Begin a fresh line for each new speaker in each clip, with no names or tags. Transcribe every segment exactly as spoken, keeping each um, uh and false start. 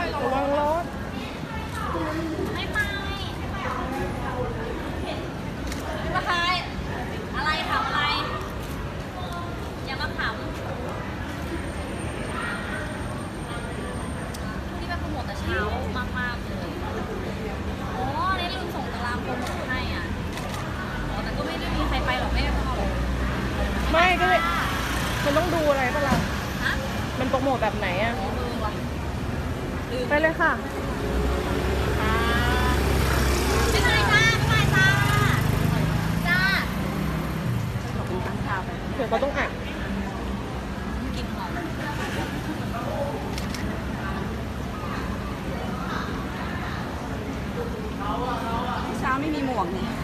ระวังรถ
ไม่ไปมาใครอะไรถามอะไรอย่ามาขำที่ไปโปรโมทแต่เช้ามากๆเลยโอ้นี่ลืมส่งตารางโปรโมทให้อ่ะอ๋อแต่ก็ไม่ได้มีใครไปหรอกไม่ได้พอหรอก
ไม่ก็เลยมันต้องดูอะไรป่ะล่ะ
ฮะ
มันโปรโมทแบบไหนอ่ะไปเลยค่ะ
ไม่เป็นไรจ้าไม่เป็นไรจ้าจ้า
ขอบคุณตั้งชาไปเดี๋ยวเขาต้องอัด
กินหอม
เช้าไม่มีหมวกเนี่ย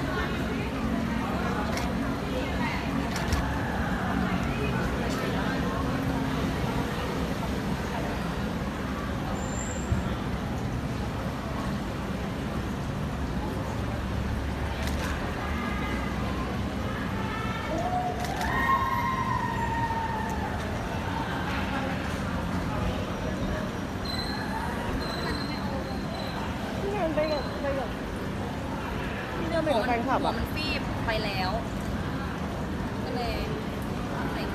ไปกับไปกับที่เดินไปกับแฟนคลับอ่ะ
มันฟีบไปแล้วก็เลยใส่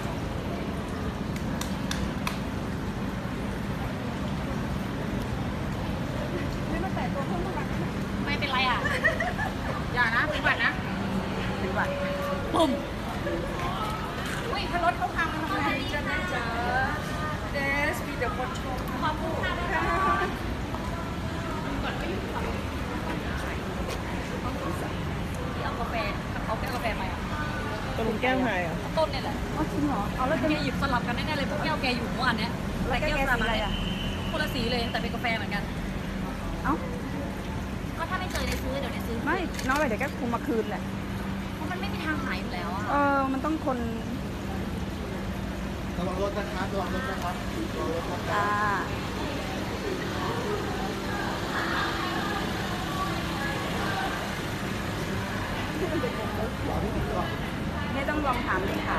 ไม่มาแตะตัวเพิ่มเท่าไหร่ไม่เป็นไรอ่ะอย่านะเป็นหวัดนะ
เป็นหวัด
ปุ่มอุ้ยถ้ารถเขาพังทำไงจะไม่เจอ
เดสมีแต่คนชม
ขอบคุณค่ะก่อนไปอยู่ฝั่งเอากาแฟเอาแก้วกาแฟไปอ่ะ
ตกลงแก้วไหนอ่ะ
ต้นเนี่ยแหละ
อ๋อจริงเหรอเอาแล้ว
แกหยิบสลับกันแน่ๆเลยพวกแก้วแกอยู่เมื่อวานเนี้ยแต่แก้วสลับอะไรอ่ะคนละสีเลยแต่เป็นกาแฟเหมือนกัน
เอ้า
ก็ถ้าไม่เจอในซื้อเดี๋ยวในซื้อ
ไม่น้องอะไรเดี๋ยวแกคงมาคืนแหละ
เพราะมันไม่มีทางหายอยู่แล้วอ่ะ
เออมันต้องคน
ระวังรถนะครับระวังรถนะครับ
จ้านี่ต้องลองถามเลขา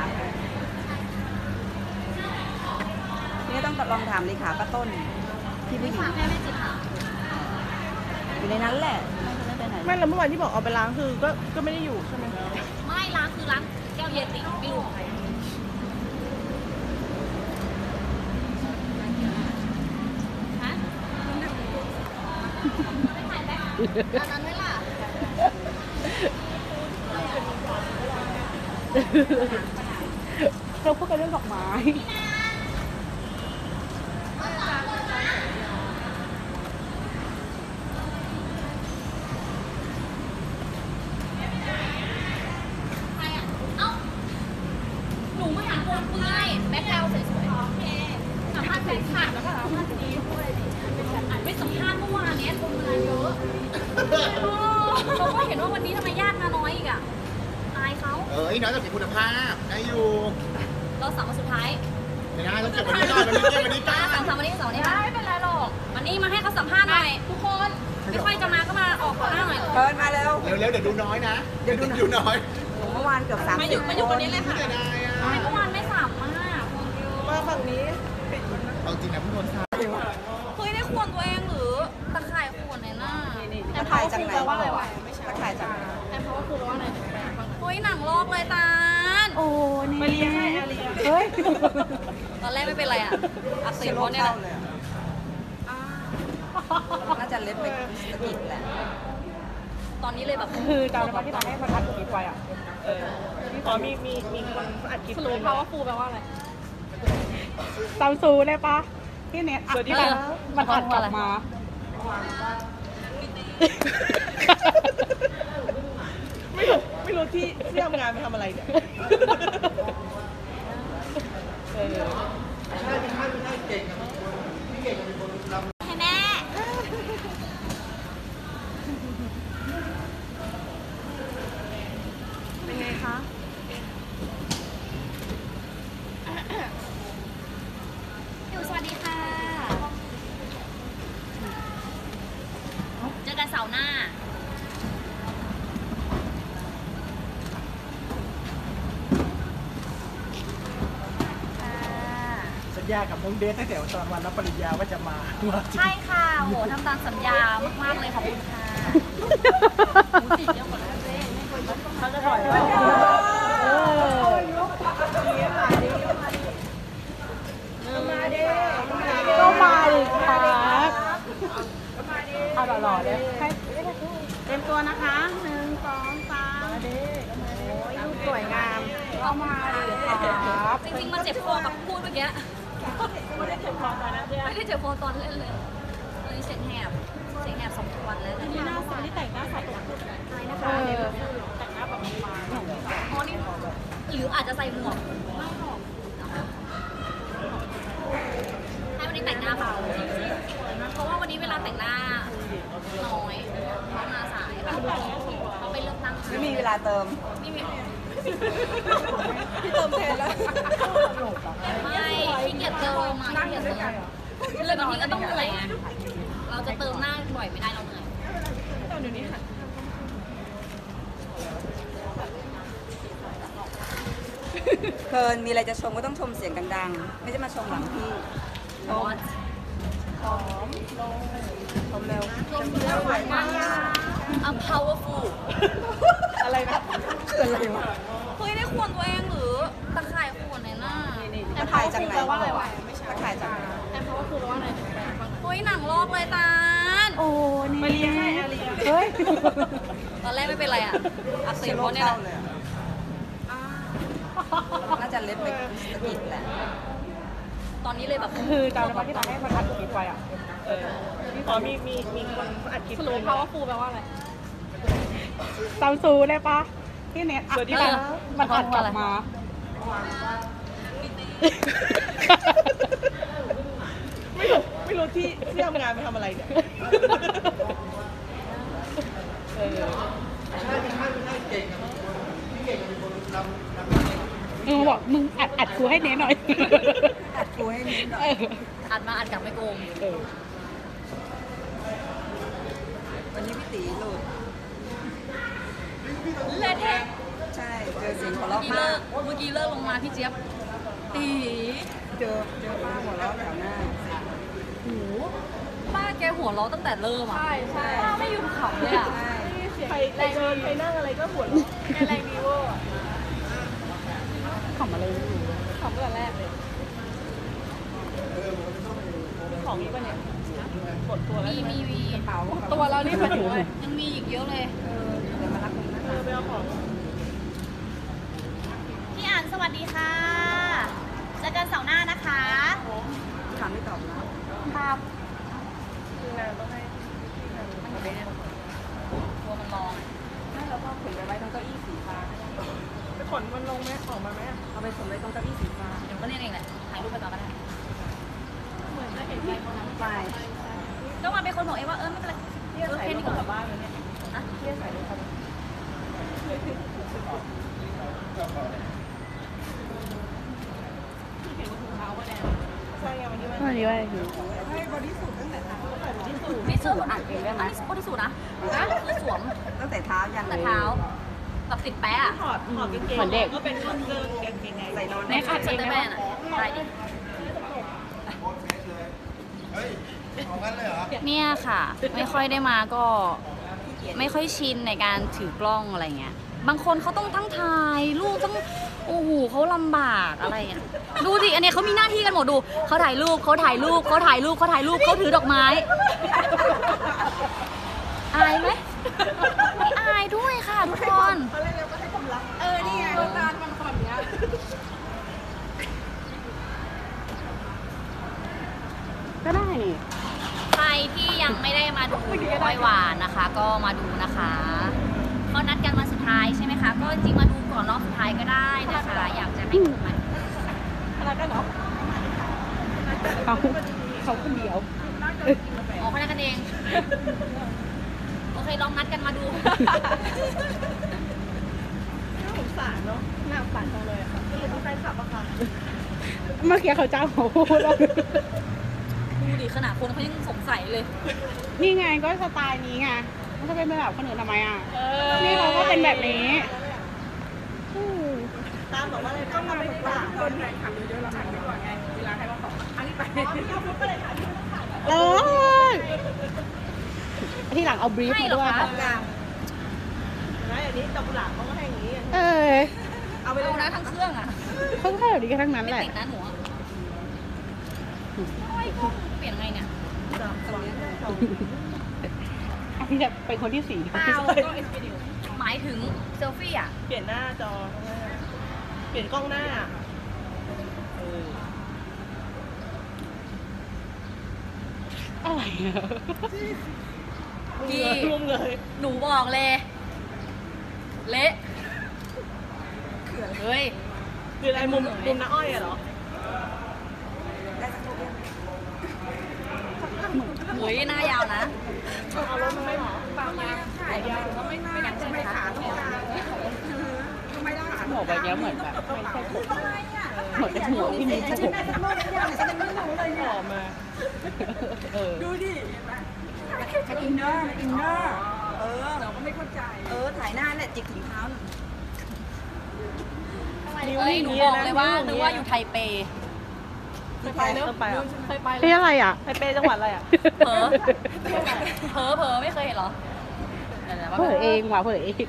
นี่ต้องลองถามเลขาป้าต้นที่ผู้หญิง
แม่ไม่จิตค่ะ
อยู่ในนั้นแหละไม่แล้วเมื่อวานที่บอกเอาไปล้างคือก็ก็ไม่ได้อยู่ใช่ไหม
ไม่ล้างคือล้างแก้วเยติไม่รู้ใครฮะไม่ถ่ายแบ็คอันนั้นไหมล่ะ
เราพูดกันเรื่องดอกไม้
หนูมาหาคนเปื่อยแบ็คกราวด์สวยๆโอเคสัมภาษณ์แฟนคลับแล้วก็สัมภาษณ์นี้ด้วยอัดไม่สัมภาษณ์เมื่อวานนี้คนมาเยอะเขาก็เห็นว่าวันนี้ทำไมญาติมาน้อยอีกอ่ะอายเขา
เออไอ้น้อยต้องมีคุณภาพได้อยู่
เราสั่งมาสุดท้าย
ไม่ได้ต้องเก็บวันนี้ก่อนวันนี้เก็บวันนี้ก่อน
สั่งสั่งวันนี้สั่งวันนี้ไม่เป็นไรหรอกวันนี้มาให้เขาสัมภาษณ์หน่อยทุกคนไม่ค่อยจะมาก็มาออกหน้าหน่อย
เดินมาเร็ว
เร็วๆเดี๋ยวดูน้อยนะเดี๋ยวดูน้อย
เมื่อวานเกือบสามสิบ
มาอยู่วันนี้เลยค่ะเมื่อวานไม่สามมาก
มาฝั่งนี้
เอาจริงนะพี่นนท์ครับ
เฮ้ยได้ขวนตัวเองหรือตะข่ายขวนในหน้า
ตะข่ายจากไหนว่าอะไรวะตะข่ายจาก
แอมเพราะว่าคือว่าอะไรเฮ้ยหนังลอกเลยตาล
โอ้นี่มาเลี้ยงให้อาลีเฮ้ย
ตอนแรกไม่เป็นไรอ่ะอักเสบเพราะเนี่ยแหละ
น่าจะเล็บไปสะกิดแหละ
ตอนนี้เลยแบบ
คือตอนที่ตอนให้มันอัดคลิปไว้อ่ะเอออ๋อมีมีมีคนอัดคลิป
รู้เพราะว่าฟูแปลว่าอะไร
ซัมซูได้ปะที่เน็ตอัดที่มันมันอัดกลับมาไม่รู้ไม่รู้ที่ที่ทำงานไปทำอะไรเนี่ยเออ
ใช่ใช่ใช่เก่งนะพี่เก่งเป็นคนทำ
ให้แม่
เป็นไงคะ
อยู่สวัสดีค่ะเจอกันเสาร์หน้า
สัญญ
ญากับน้องเดทตั้งแต่ตอนวันรับปริญญาว่าจะมาว่าจริง
ใช่ค่ะโหทำตามสัญญามากๆเลยขอบคุณค่ะหมูติดเยอะกว่านั้นเลยเขาจะถอยว่า
เออก็มาดิครับเอาหล่อๆเลยให้เต็มตัวนะคะหนึ่งสองสามโอ้ยรูปสวยงามก็มาดิครับ
จริงๆมันเจ็บคอกับพูดเมื่อกี้ไม่ได้เจ็บคอตอนนั้นไม่ได้เจ็บคอตอนเล่นเลยเลยเสียงแหบเสียงแหบสองวันแล้วนี่หน้าใสที่แต่งหน้าใสกว่าใช่นะคะแต่งหน้าแบบบางๆอ๋อนี่หรืออาจจะใส่หมวกไม่หรอกให้วันนี้แต่งหน้าเบาเพราะว่าวันนี้เวลาแต่งหน้าน้อยเพราะมาสายค่ะเขาไปเลือกตั้งไม่มีเวลาเติมไม่มีพี่เติมแทนแล้วไม่ขี้เกียจเติมมาขี้เกียจเติมเลยบางทีก็ต้องเหนื่อยไงเราจะเติมหน้าบ่อยไม่ได้เราเหนื่อยเดี๋ยวนี้ค่ะ
เคินมีอะไรจะชมก็ต้องชมเสียงดังๆไม่ใช่มาชมหลังพี่
บอส
ชมเร็ว
อ่ะ powerful
อะไรนะ
คืออะไรวะ
เฮ้ยได้ขวนตัวเองหรือตะข่ายขวนในหน้า
ตะข่ายจากไหนตะข่ายจากไหน
เฮ้ยหนังลอกเลยตาล
โอ้นี่มาเลี้ยงให้อาเลียเฮ้ย
ตอนแรกไม่เป็นไรอ่ะอักเส
เสีย
บ
ง
เพ
โล
ราะเนี่ย
เข้า
แหละ
เลยอะน่าจะเล็บไปสะกิดแหละ
ตอนนี้เลยแบบ
คือจำได้ปะที่เราให้มันอัดคลิปไว้อ่ะเอออ๋อมีมีมีคนอัดคลิป
สรุป powerful แปลว่าอะไร
ซัมซูได้ปะที่เน็ตอัดที่มันมันอัดกลับมา ไม่รู้ไม่รู้ที่ที่ทำงานไปทำอะไรเนี่ยเออ
ใช่ไม่ใช่ไม่ใช่เก่งกับพี่เก่งเป็นคนนำนำ
มึงบอกมึงอัดอัดกูให้เน็ตหน่อย
อัดกูให้นิดหน่อย
เออ
อัดมาอัดกลับไม่โกง
เออ
วันนี้พี่ตีหลุด
เละเทะ
ใช่เจอเสียงหัว
เมื่อ
เราะ
กี้
มา
เลิกเมื่อกี้เลิกลงมาพี่เจี๊ยบตี
เจอเจอคนหัวเราะแถวหน้า
โหป้าแกหัวเราะตั้งแต่เริ่มอ่ะใช่ใช่ป้าไม่หยุดขำเลยอ่ะ
ใครใครเดินใครนั่งอะไรก็หัวเราะแกแรงดีเวอร์ขำอะไรไม่รู้ขำตั้งแต่แรกเลยของนี้ป่ะเนี่ยหมดตัวแล้ว
มีมีมี
เป๋า
ตัวเรานี่มันอยู่
ยังมีอีกเยอะเลย
เดี๋ยวมารับคุณนะ
เออไปเอาของ
พี่อ่านสวัสดีค่ะเจอกันเสาร์หน้านะคะ
ถามไม่ตอบนะ
ครับ
คือนางต้องให้
มันอยู่ในเนี่ยตัวมันร้อง
ไม่เราก็ขนไปไว้ตรงเก้าอี้สีฟ้า
ไปขนมันลงไหมออกมาไหมอะ
เอาไปขนไว้ตรงเก้าอี้สีฟ้า
เดี๋ยวก็เรียกเองแหละถ่ายรูปไปก่อนก็ได้
เหมือนจะเห็นใจคนนั้น
ไป
ก็มาเป็นคนบอกเองว่าเออไม่เป็นไร
ที่จะใส่รถกลับบ้านเลยเนี่ย
นะ
ที่จะใส่รถกลับบ้านใช่ไงวันนี้วันนี้ว่าคือ
ให้บริสุทธิ์ตั้งแต่เท้า
ไม่สูอัดเองได้ไหมอันนี้บริสุทธิ์นะคือสวม
ตั้งแต่เท้ายัน
แต่เท้าแบบติดแปะอะ
ถอดถอดกางเกงเหมือนเด็กก็เป็นเครื่องเกงกางเกงไง
ใส่นอน
ในคาดเซนเตอร์แมนอะได้ดิ
เฮ้ยเอางั้นเลยเหรอ
เนี่ยค่ะ ไม่ค่อยได้มาก็ไม่ค่อยชินในการถือกล้องอะไรเงี้ยบางคนเขาต้องทั้งถ่ายรูปต้องโอ้โหเขาลำบากอะไรอ่ะดูสิอันเนี้ยเขามีหน้าที่กันหมดดูเขาถ่ายรูปเขาถ่ายรูปเขาถ่ายรูปเขาถ่ายรูปเขาถือดอกไม้อายไหมไม่อายด้วยค่ะทุกคน
เออนี่ไงร้านมันคนเนี้ย ก็ได้นี่
ใครที่ยังไม่ได้มาดูปอยหวานนะคะ ก็มาดูนะคะเขานัดกันวันสุดท้ายใช่ไหมคะก็จริงๆมาดูก่อนรอบสุดท้ายก็ได้นะคะอยากจะให้ดูมัน
อะไรกันเนาะเขาเขาคนเดียว
ออกคะแนนกันเอง โอเค ลองนัดกันมาดู
น่าสงสารเนาะน่าสงสารจังเลยอะค่ะสรุปว่าใครขับอะค่ะเมื่อกี้เขาจ้างเขาพูดแล้ว
ดูดิขนาดคนเขายังสงสัยเลย
นี่ไงก็สไตล์นี้ไงมันจะเป็นแบบคนอื่นทำไมอ่ะนี่เราก็เป็นแบบนี้ตามบอกว่าอะไรต้องมาเป็นคนไหนขับเยอะๆเราหันไปก่อนไงเวลาให้มาขอเออที่หลังเอาบรีฟ
ให้
มา
เหรอ
ด้วย
คะ
ค่ะ
นะอันนี้ดอกกุหลาบเขาก็ให้อย่างนี้
เออ
เอาไปลงนะทั้งเครื่องอ่ะ
เขาก็ให้แบบนี้กันทั้งนั้น
ไม่
แหละ
ติดนะหนูอะโอ้ยเปลี่ยนไงเนี่ย
พี่จะเป็นคนที่สี่
เปล่าหมายถึงเซลฟี่อ่ะ
เปลี่ยนหน้าจอข้างหน้าเปลี่ยนกล้องหน้าเออ
อะไรอะ
พี่
รวมเลย
หนูบอกเลย เละเฮ้ย
คืออะไรมุมมุมน้าอ้อยอะเหรอ
เฮ้ยหน้ายาวนะ
เอารถมาไหมหรอ
ยังใช่ไหมคะ
หมวกแบบเนี้ยเหมือนแบบไม่ใช่ผมเหมือนเป็นหมวกที่มีผม
ออกมา
เออ
มันอินเนอร์มันอินเนอร์เออเราก็ไม่เข้าใจ เออ ถ่ายหน้าเนี่ยจิกถึงเท้าหน่อย
เอ้ยหนูบอกเลยว่านึกว่าอยู่ไทเป
เคยไปเนอะไปอ่ะ
เคยไป
นี่อะไรอ่ะ
ไปเปจังหวัดอะไรอ่ะ
เผลอเผลอเผลอไม่เคยเห็นเหรอดี๋ยวๆว่า
เผยเองว่ะเผยเอง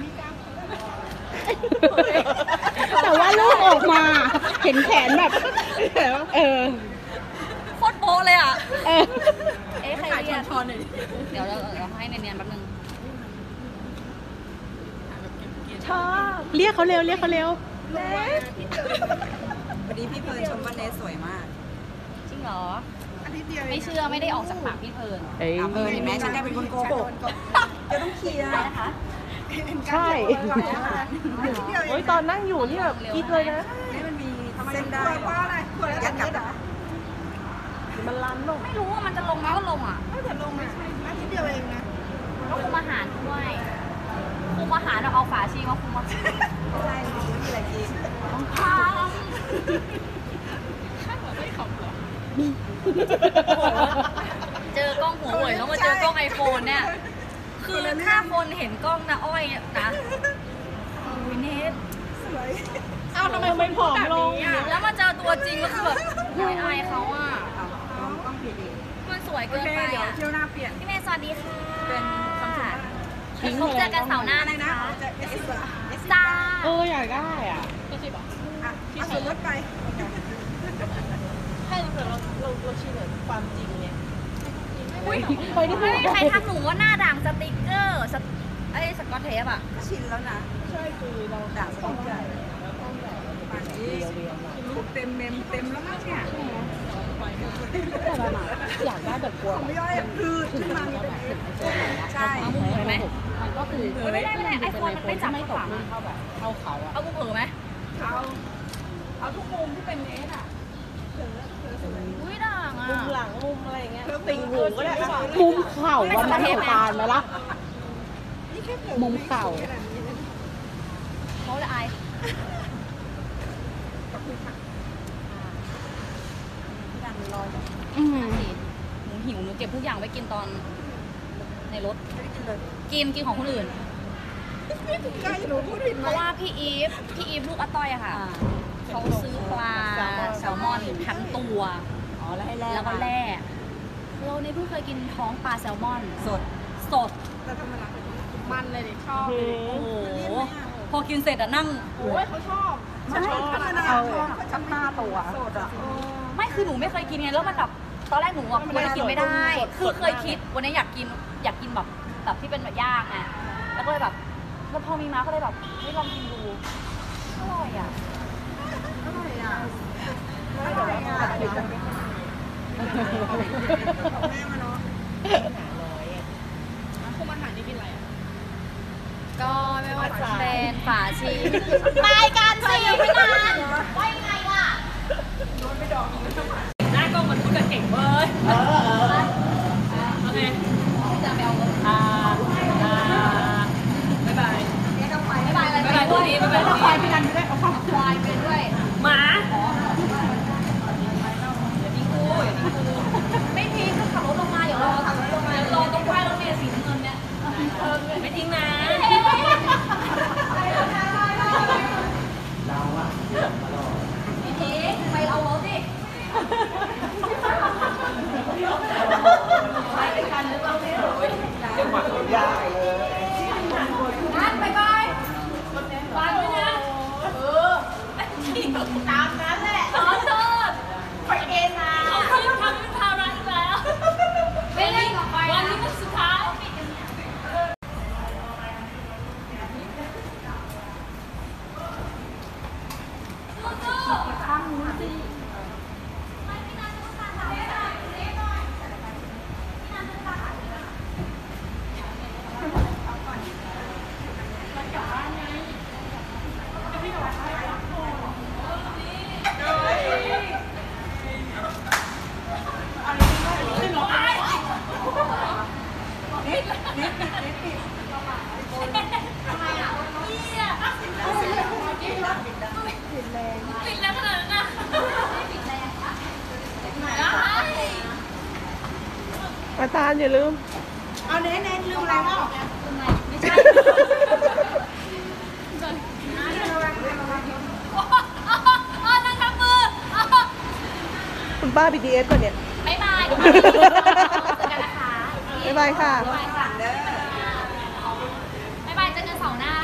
แต่ว่าลูกออกมาเห็นแขนแบบเออ
โคตรโป๊ะเลยอ่ะ
เออ
เอ๊ะใครเรียกเดี๋ยวเราเราให้เนียนๆแป๊บนึง
ชอบ
เรียกเขาเร็วเรียกเขาเร็ว
วันนี้พี่เพลิร์นชมว่าเนสสวยมาก
จริงเหรอไม่เชื่อไม่ได้ออกจากปากพี่เพลิน
เอ้ย
เอาเออเห็นไหมฉันได้เป็นคนโกหกจะต้องเคลียร์นะคะ
ใช่
โอ้ยตอนนั่งอยู่นี่แบบคิดเลยนะ
นี่มันมีเส้นได้ยัดกลับได้
มันรันเนอะ
ไม่รู้ว่ามันจะลงมาก็ลงอ่ะ
แต่ลงมาอาทิตย์เดียวเองนะ
ก็คุมอาหารด้วยคุมอาหารเราเอาฝาชีมาคุมอาหาร
ไม่ใช่ไม่มีอะไรกิน
ต้องทำเจอกล้องหัวเว่ยแล้วมาเจอกล้องไอโฟนเนี่ย คือถ้าคนเห็นกล้องนะอ้อยนะโอ้ยเนท
อ้าวทำไมไม่ผอมลง
แล้วมาเจอตัวจริงก็คือแบบโอยอายเขาอ่ะ
ต้องผิดอีก
มันสวยเกินไป
เดี๋ยว
อ่ะ
เที่ยวหน้าเปลี่ยน
พี่เมย์สวัสดีค่ะ
เป็นคำสั่ง
ทิ้ง
พบ
ไป
เจ
แล้
อ
ว
กันเสาร์หน้านะคะ
จะเอสซีอ่ะ
จ้า
เอออยากได้อ่ะ
อ่ะเอาส่วนลดไป
ให้เราเราเราเราชินกับความจริงเนี่ย
อุ้ย
ไปได้ไหม
ไม่มีใครทักหนูว่าหน้าด่างสติกเกอร์สไอ้สกอตเทปอ่ะ
ก็ชินแล้วนะ
ใช่คือเรา
ด่าสองใหญ่ป่านนี้รูปเต็มเมมเต็มแล้วมั้งเนี่ย
แต่ละหน่อยอยากได้แบบกลัว
ไม่ย่อยคือขึ้นมามีเป็นใช่
เอามุมเผยไหม
มันก็คือ
ไม่ได้ไม่ได้ไอโฟนมันไม่จับ
ไม่ตก
ฝั่ง
รุ่นเท่าแบบเท่าเขาอ่ะ
เอามุมเผยไหม
เอาเอาทุกมุมที่เป็นเนสอ่ะ
อุ้ยด่างอ่ะ
มุมหลังมุมอะไรอย่างเงี้ยติ่งหูก็ได้
มุมเข่าวันนั้นหนูตานไหมล่ะมุมเข่า
เขาจะอาย
ดังลอย
อืม
หนูหิวหนูเก็บทุกอย่างไว้กินตอนในรถ
ไม่ได้กินเลย
กินกินของคนอื่น
ใกล้หนูพูดผิด
เพราะว่าพี่อีฟพี่อีฟลูกอาต้อยอะค่ะ เขาซื้อปลาแซลมอนทั้งตัว
อ๋อแล้วให้แลก
แล้วก็แล่เราในเพิ่งเคยกินท้องปลาแซลมอน
สด
สด
แต่ธรรมดา
มันเลยดิชอบโอ้โห พอกินเสร็จอะนั่ง
โอ้ยเขาชอบ
ไม่ธรรมดา
เอาชักหน้าตัว
สดอ่ะ
ไม่คือหนูไม่เคยกินไงแล้วมันแบบตอนแรกหนูอะกลัวจะกินไม่ได้ คือเคยคิดวันนี้อยากกินอยากกินแบบแบบที่เป็นแบบย่างอะแล้วก็เลยแบบแล้วพอมีมาก็เลยแบบไม่ลองกินดูอร่อยอะ
อร่อยอ่ะอร่อยอ่ะของแม่มาเนาะ
คุมอาหารนี่กินอะไรอะก็ไม่ว่าจะเป็นฝาชีรายการซีไม่นานว่ายังไงล่ะหน้ากล้องมันพูดกับเก่งเว้ย
เออเออ
โอเคจะไปเอารถ
อ่าอ่า
บ๊ายบาย
เนี่ยก็ไป
บ๊ายบายอะไรบ๊ายบายพวกนี้บ๊ายบายพวก
ควาย
นี้
พี่นันไม่ได้เอาเข้า
ควายไปด้วยหมาอย่าทิ้งกูอย่าทิ้งกูไม่ทิ้งก็ขับรถลงมาเดี๋ยวรอขับรถลงมาเดี๋ยวรอตรงป้ายรถเมล์สีน้ำเงินเนี่ยไม่ทิ้งนะไม่ทิ้งไปเอารถดิ
อาจารย์อย่าลืม
เอาเน้นเน้นลืมอะไรวะ
ทำไมไม่ใช่เออนั่งทำมือ
คุณป้า บี ที เอส ป่ะเนี่ย
บ๊ายบายเจอกันนะคะ
บ๊ายบายค่ะ
บ๊ายบายค่ะบ๊ายบายเจอกันเสาร์หน้า